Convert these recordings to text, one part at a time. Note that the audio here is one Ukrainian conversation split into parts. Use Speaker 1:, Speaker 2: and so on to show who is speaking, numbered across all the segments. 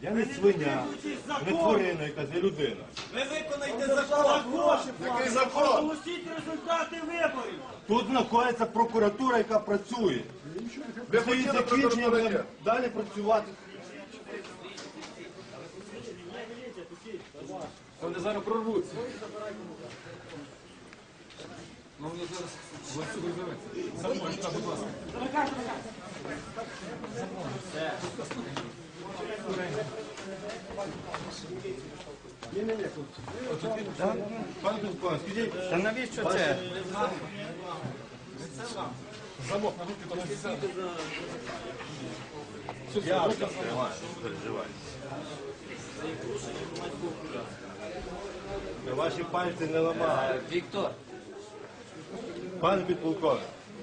Speaker 1: Я не свиня, не тварина якась, не людина.
Speaker 2: Ви виконайте закон.
Speaker 1: Який закон?
Speaker 2: Оголосіть результати виборів.
Speaker 1: Тут знаходиться прокуратура, яка працює. Після її закінчення будемо далі працювати.
Speaker 3: Вони зараз прорвуться. Ну, вони зараз ланцюг розірветься. За мною, так, будь ласка.
Speaker 1: Пане Петко, скажіть,
Speaker 4: Та навіщо це?
Speaker 3: Замок на руки, то не все.
Speaker 1: я вже тримаю, не переживайте. Ваші пальці не ламають.
Speaker 4: Віктор,
Speaker 1: Пане підполковник.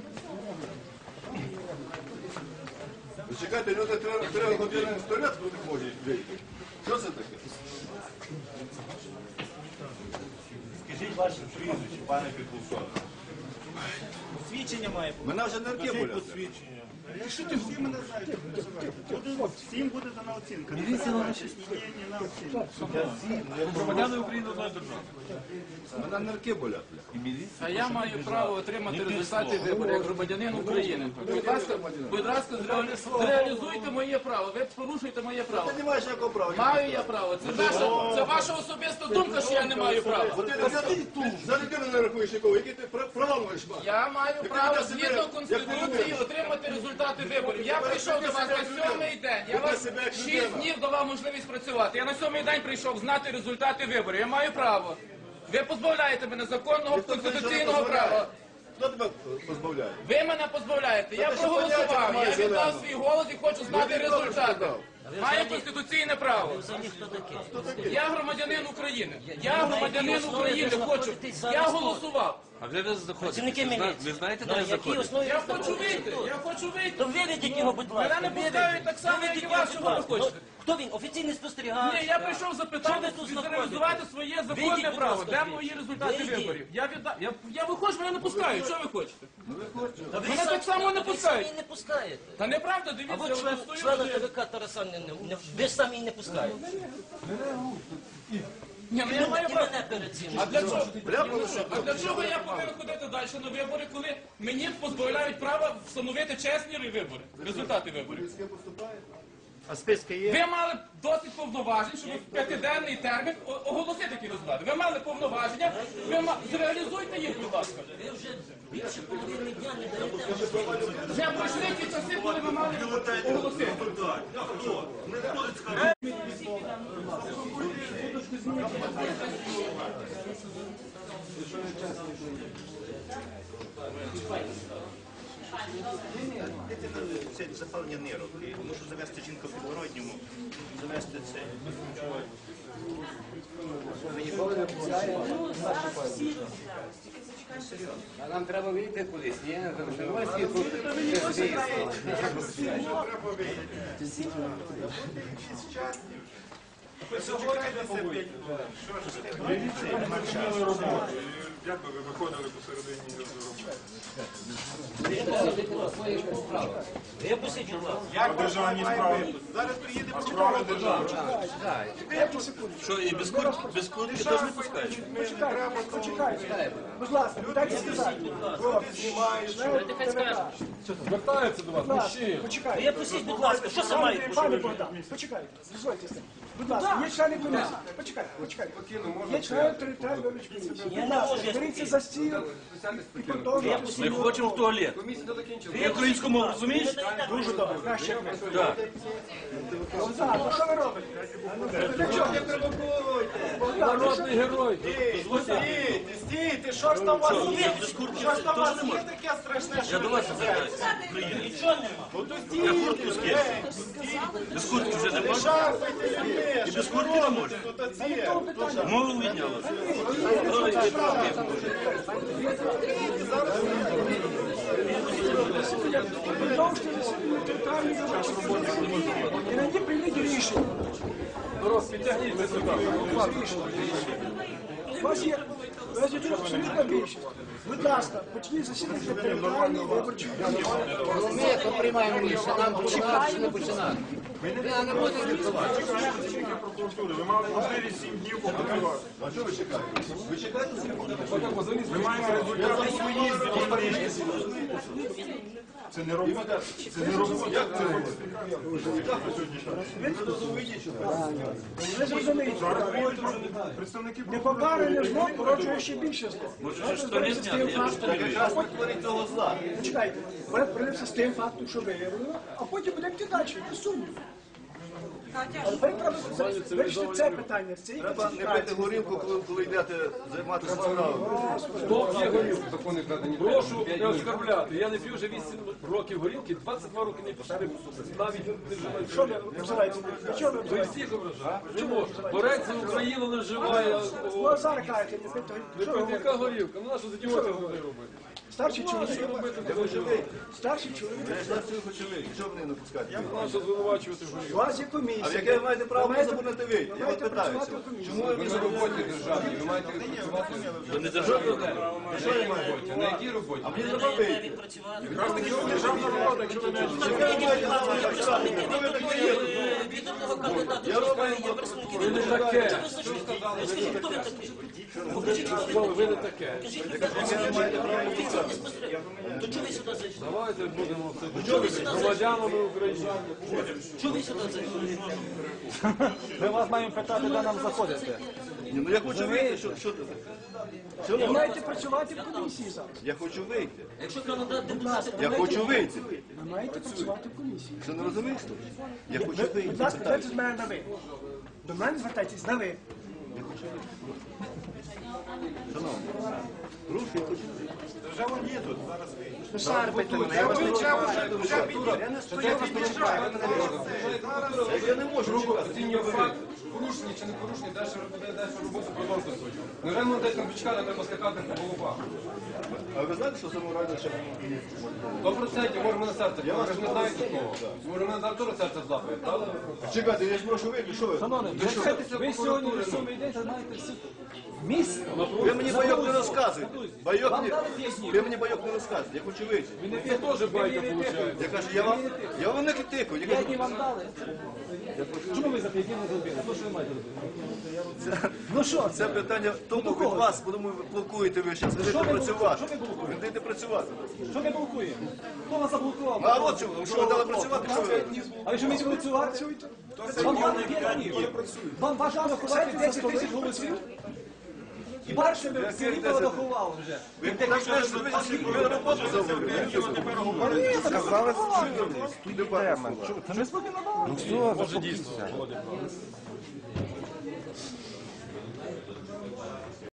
Speaker 5: Чекайте, люди 3 години в туалет не можуть вийти. Що це таке?
Speaker 1: Скажіть ваше прізвище, пане підполковник.
Speaker 2: Посвідчення має бути.
Speaker 5: Мене вже нерки
Speaker 1: Скажіть
Speaker 5: болять.
Speaker 1: посвідчення.
Speaker 2: Якщо ти всі мене знаєте, всім буде дана оцінка. Міліція на на оцінку.
Speaker 3: Громадяни України одної держави.
Speaker 5: Мене нерки болять.
Speaker 6: А я маю право отримати результати виборів як громадянин України. Будь ласка, зреалізуйте моє право. Ви порушуєте моє право.
Speaker 5: Ти не маєш ніякого права.
Speaker 6: Маю я право. Це ваша особиста думка, що я не маю права.
Speaker 5: За людину не рахуєш нікого, які ти проламуєш мати.
Speaker 6: Я маю право згідно Конституції отримати результати виборів. Я прийшов до вас на 7-й день. Я вас 6 днів давав можливість працювати. Я на 7-й день прийшов знати результати виборів. Я маю право. Ви позбавляєте мене законного конституційного права.
Speaker 5: Хто тебе позбавляє?
Speaker 6: Ви мене позбавляєте. Я проголосував. Я віддав свій голос і хочу знати результати. Маю конституційне право. Я громадянин України. Я громадянин України. Хочу. Я голосував.
Speaker 4: а де ви знаходитесь? Ви знаєте, де ви знаходитесь?
Speaker 6: Я хочу вийти. Я хочу вийти.
Speaker 7: То виведіть його, будь ласка.
Speaker 6: Мене не пускають так само, як і вас, що ви хочете.
Speaker 7: Хто він? Офіційний спостерігач?
Speaker 6: Ні, я прийшов запитати,
Speaker 7: Що ви тут
Speaker 6: реалізувати своє законне
Speaker 7: Вийдіть, будь
Speaker 6: право.
Speaker 7: ласка,
Speaker 6: Де
Speaker 7: звідси.
Speaker 6: мої результати
Speaker 7: Вийдіть.
Speaker 6: виборів? Я виходжу, мене не пускають. Що ви хочете?
Speaker 7: Та ви
Speaker 6: Мене так само не
Speaker 7: ви
Speaker 6: пускають.
Speaker 7: самі не пускаєте.
Speaker 6: Та неправда,
Speaker 7: А
Speaker 6: дивіться,
Speaker 7: от
Speaker 6: я
Speaker 7: члена
Speaker 6: стою.
Speaker 7: ТВК Тараса ви ж самі не пускаєте.
Speaker 6: Ні, ну я маю
Speaker 7: І
Speaker 6: право.
Speaker 7: мене перед цим.
Speaker 6: А для чого? А для чого я повинен ходити далі на вибори, коли мені позбавляють права встановити чесні вибори, результати виборів?
Speaker 4: А списки є?
Speaker 6: Ви мали досить повноважень, щоб в 5-денний термін оголосити такі результати. Ви мали повноваження, зреалізуйте їх, будь ласка.
Speaker 7: Ви вже більше половини дня не даєте.
Speaker 6: Вже пройшли ті часи, коли ви мали оголосити.
Speaker 8: Це запалення нирок. І мушу завести жінку в підворотньому, завести це. Ви ніколи не
Speaker 9: А нам треба вийти кудись, ні? Давайте тут
Speaker 3: Як би ви виходили посередині роботи?
Speaker 7: Випустіть, будь ласка.
Speaker 1: Як державні справи?
Speaker 8: Зараз приїде
Speaker 1: Справи держави.
Speaker 4: Що, і без куртки теж не пускають?
Speaker 9: почекайте.
Speaker 10: Будь ласка, дайте сказати.
Speaker 3: Звертаються до вас, мужчини.
Speaker 10: Почекайте.
Speaker 7: Випустіть, будь ласка. Що це має бути?
Speaker 10: Пане Богдан, почекайте. Дозвольте. Будь ласка, є члени комісії. Почекайте, почекайте. Є члени територіальної виборчої комісії. Будь ласка, беріться за стіл і продовжуйте.
Speaker 4: Ми хочемо в туалет. Ти українську мову розумієш?
Speaker 10: Дуже добре, краще як ми.
Speaker 4: Так.
Speaker 10: Богдан, ну що ви робите?
Speaker 3: Народний герой.
Speaker 2: Стійте, що ж там у вас є?
Speaker 4: Без куртки
Speaker 2: Що ж там у
Speaker 4: теж
Speaker 2: вас
Speaker 4: не
Speaker 2: є
Speaker 4: можна.
Speaker 2: таке страшне, що
Speaker 4: Я до вас звертаюся. Україна.
Speaker 7: Нічого нема.
Speaker 4: Я куртку скину. Без куртки вже не можна?
Speaker 2: шарпайте людей.
Speaker 4: І без куртки не можна? Мову відняла.
Speaker 10: Продовжуйте засідання територіальної виборчої комісії. І на ній прийміть рішення.
Speaker 3: Народ, підтягніться сюди.
Speaker 10: У вас є тут абсолютна більшість. Будь ласка, почніть засідання територіальної виборчої комісії.
Speaker 9: Ми то приймаємо рішення, нам починати чи не починати. Я не буду відсувати.
Speaker 2: Працівники прокуратури, ви мали можливість 7 днів попрацювати.
Speaker 5: А що ви чекаєте? Ви чекаєте з
Speaker 2: Ми маємо результати свої звільнення. Це не робота. Це не робота.
Speaker 5: Як це робити? Яка ви сьогодні
Speaker 10: Ви зрозумієте,
Speaker 2: Представники
Speaker 10: не покаране зло породжує ще більше зло.
Speaker 4: Може, що не зняти, я ж
Speaker 5: якраз не творить цього зла?
Speaker 10: Чекайте, ми прийдемося з тим фактом, що виявлено, а потім будемо йти далі, без сумніву. Але тепер треба вирішити це питання, з цієї
Speaker 5: Треба не пити
Speaker 10: класифікації.
Speaker 5: горілку, коли йдете займатися справами.
Speaker 3: Прошу не оскорбляти. Я не п'ю вже 8 років горілки, 22 роки не пішли. Навіть не вживаю.
Speaker 10: Що ви обзиваєте? Для чого ви
Speaker 3: Ви
Speaker 10: обзиваєте?
Speaker 3: всіх ображаєте. Не можна. Борець за Україну не вживає.
Speaker 10: Ну, а зараз кажете, не пити.
Speaker 3: Ви
Speaker 10: Що ви
Speaker 3: пити,
Speaker 10: говорите?
Speaker 3: яка горілка? Ну, нащо з ідіотів робити?
Speaker 10: Старший чоловік.
Speaker 3: Що робити, коли живий?
Speaker 10: Старший чоловік.
Speaker 5: Я ж на цього хочу вийти. Що ви не напускаєте?
Speaker 3: Нащо звинувачувати в
Speaker 10: У
Speaker 3: горілку?
Speaker 10: вас є комісія.
Speaker 5: А в яке ви маєте право
Speaker 10: Ви маєте-
Speaker 5: заборонити вийти?
Speaker 10: ви
Speaker 5: Я вас
Speaker 10: маєте
Speaker 5: питаюся.
Speaker 10: працювати в комісії.
Speaker 5: Чому ви на роботі державній? Ви маєте працювати що я маю робити? На якій роботі? А мені треба вийти.
Speaker 7: Відпрацювати.
Speaker 2: державна влада, якщо ви не
Speaker 7: Відомого кандидата
Speaker 5: Я роблю
Speaker 7: є представники
Speaker 3: Ви не
Speaker 7: держави.
Speaker 3: таке.
Speaker 7: Що ви сказали? Скажіть, хто ви такий? Покажіть, що
Speaker 3: Що ви не таке?
Speaker 7: Покажіть, хто ви офіційне спостереження. То чого ви сюди зайшли?
Speaker 3: Давайте будемо все громадянами України.
Speaker 7: Чого ви сюди зайшли?
Speaker 2: Ми вас маємо питати, де нам заходити.
Speaker 5: Ні, ну я хочу вийти. Що ти?
Speaker 10: Ви маєте працювати в комісії зараз.
Speaker 5: Я хочу вийти.
Speaker 7: Якщо кандидат депутати,
Speaker 5: Я хочу вийти.
Speaker 10: Ви маєте працювати в комісії.
Speaker 5: Що не розумієш? що? Я хочу
Speaker 10: Будь
Speaker 5: вийти.
Speaker 10: ласка, звертайтесь з мене на ви. До мене звертайтесь на ви.
Speaker 5: Шановні, руки я хочу вийти.
Speaker 2: Держава є тут, зараз вийде.
Speaker 10: Ви шарпайте мене.
Speaker 5: Я не можу чекати.
Speaker 3: Оцінює факт, порушення чи не порушення, далі роботу продовжувати свою. Невже ми десь там почекати, треба скакати по головах.
Speaker 5: А ви знаєте, що саморально ще
Speaker 3: 100%, може мене серце, ви ж не знаєте того. Може мене зараз теж серце злапає, правда?
Speaker 5: чекайте, я ж прошу вийти, що ви?
Speaker 3: Ви сьогодні на 7-й день знаєте всі місце.
Speaker 5: Ви мені байок не розказуєте. Ви мені байок не розказуєте. Я хочу вийти.
Speaker 3: Він не теж байка виходить.
Speaker 5: Я кажу, я вам не критикую. Я кажу,
Speaker 3: вам дали. Чому ви зап'ятіли зробили? Ну що ви маєте робити?
Speaker 10: Ну що,
Speaker 5: це питання тому від вас, тому ви блокуєте ви зараз. Ви йдете працювати. Ви йдете працювати.
Speaker 10: що не блокує? Хто вас заблокував?
Speaker 5: А от чому? Що ви дали працювати? Що ви?
Speaker 10: А якщо ми працювати? Вам дали 5 днів. Вам важливо ховати 10 тисяч голосів? І перше ви селі порахували вже.
Speaker 5: Ви так знаєте, що ви на роботу заводите.
Speaker 1: Сказали, що йдемо. Це не спокійно. Ну все, заспокійся.